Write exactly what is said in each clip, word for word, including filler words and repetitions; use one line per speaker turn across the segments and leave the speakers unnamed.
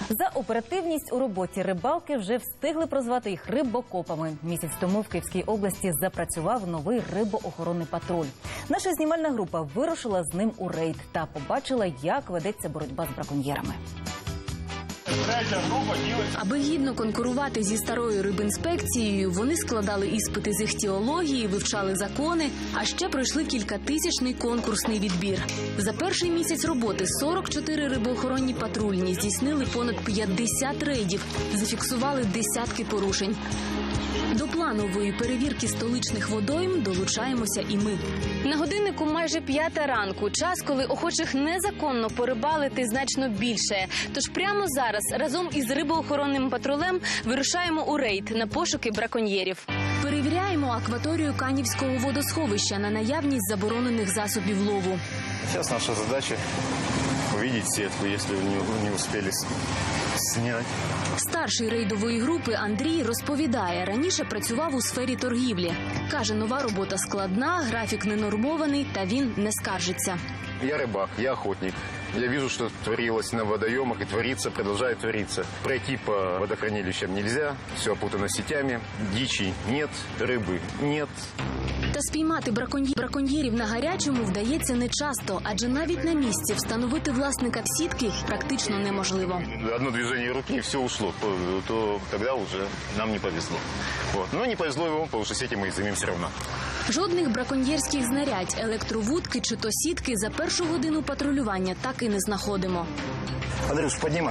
За оперативність у роботі рибалки вже встигли прозвати їх рибокопами. Місяць тому в Київській області запрацював новий рибоохоронний патруль. Наша знімальна група вирушила з ним у рейд та побачила, як ведеться боротьба з браконьєрами.
Аби гідно конкурувати зі старою рибінспекцією, вони складали іспити з іхтіології, вивчали закони, а ще пройшли кількатисячний конкурсний відбір. За перший місяць роботи сорок чотири рибоохоронні патрульні здійснили понад п'ятдесят рейдів, зафіксували десятки порушень. До планової перевірки столичних водойм долучаємося і ми. На годиннику майже п'ята ранку. Час, коли охочих незаконно порибалити значно більше. Тож прямо зараз разом із рибоохоронним патрулем вирушаємо у рейд на пошуки браконьєрів. Перевіряємо акваторію Канівського водосховища на наявність заборонених засобів лову.
Зараз наша задача увидеть сітку, якщо не успіли зняти.
Старший рейдової групи Андрій розповідає, раніше працював у сфері торгівлі. Каже, нова робота складна, графік ненормований, та він не скаржиться.
Я рыбак, я охотник. Я вижу, что творилось на водоемах и творится, продолжает твориться. Пройти по водохранилищам нельзя, все опутано сетями, дичи нет, рыбы нет.
Та спіймати браконьє- браконьєрів на гарячому вдається нечасто, адже навіть на місці встановити власника сітки практично неможливо.
Одно движение руки и все ушло, то, то тогда уже нам не повезло. Вот. Но не повезло ему, потому что сети мы изымем все равно.
Жодних браконьєрських знарядь, електровудки чи то сітки за першу годину патрулювання так і не знаходимо.
Андрюш, поднимай.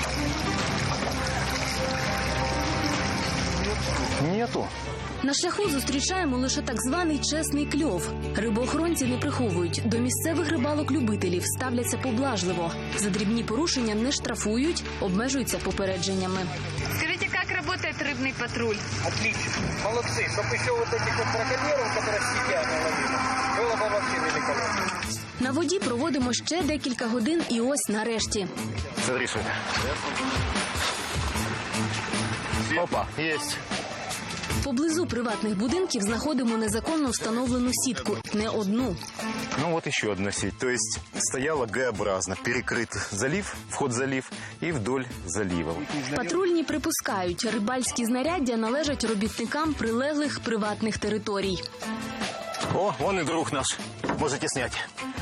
Нету.
На шляху зустрічаємо лише так званий чесний кльов. Рибоохоронці не приховують. До місцевих рибалок-любителів ставляться поблажливо. За дрібні порушення не штрафують, обмежуються попередженнями.
Скажите, как работает рыбный патруль?
Отлично. Молодцы. Чтобы еще вот этих вот браконьеров, которые сидят на ловили, было бы вообще великолепно.
На воді проводимо ще декілька годин і ось нарешті.
Смотри, что это. Опа, есть.
Поблизу приватних будинків знаходимо незаконно встановлену сітку. Не одну.
Ну вот еще одна сеть. То есть стояла Г-образно, перекрыт залив, вход в залив и вдоль залива.
Патрульні припускають, рибальські знаряддя належать робітникам прилеглих приватних територій.
О, вон и друг наш. Можете снять.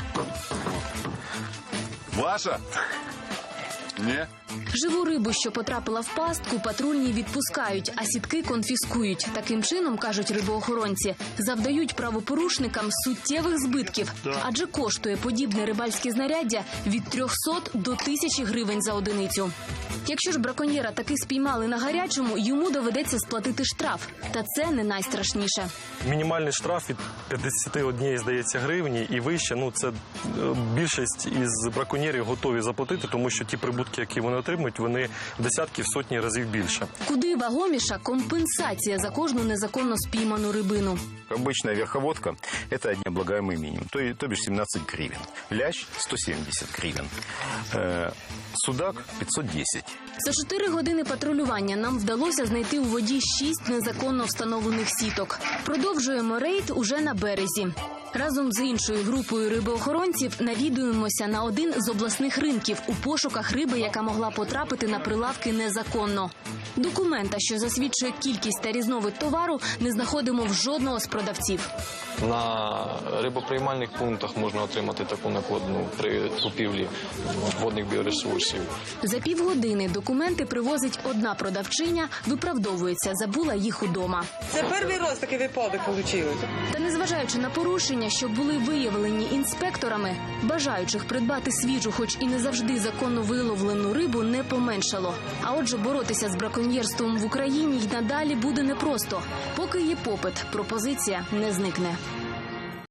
Ваша? Ні?
Живу рибу, що потрапила в пастку, патрульні відпускають, а сітки конфіскують. Таким чином, кажуть рибоохоронці, завдають правопорушникам суттєвих збитків. Адже коштує подібне рибальське знаряддя від трьохсот до тисячі гривень за одиницю. Якщо ж браконьєра таки спіймали на гарячому, йому доведеться сплатити штраф. Та це не найстрашніше.
Мінімальний штраф від п'ятдесят один, здається, гривні і вище. Ну, це е, більшість із браконьєрів готові заплатити, тому що ті прибутки, які вони отримують, вони в десятки, в сотні разів більше.
Куди вагоміша компенсація за кожну незаконно спійману рибину.
Обычная верховодка – это необлагаемый минимум, то, то бишь семнадцать гривен. Лящ – сто семьдесят гривен. Э, судак – пятьсот десять.
За чотири години патрулювання нам вдалося знайти у воді шість незаконно встановлених сіток. Продовжуємо рейд уже на березі. Разом з іншою групою рибоохоронців навідуємося на один з обласних ринків у пошуках риби, яка могла потрапити на прилавки незаконно. Документа, що засвідчує кількість та різновид товару, не знаходимо в жодного з продавців.
На рибоприймальних пунктах можна отримати таку накладну при купівлі водних біоресурсів.
За півгодини документи привозить одна продавчиня, виправдовується, забула їх удома.
Це перший раз такий випадок вийшло.
Та незважаючи на порушення, що були виявлені інспекторами, бажаючих придбати свіжу, хоч і не завжди законно виловлену рибу, не поменшало. А отже, боротися з браконьєрством в Україні й надалі буде непросто. Поки є попит, пропозиція не зникне.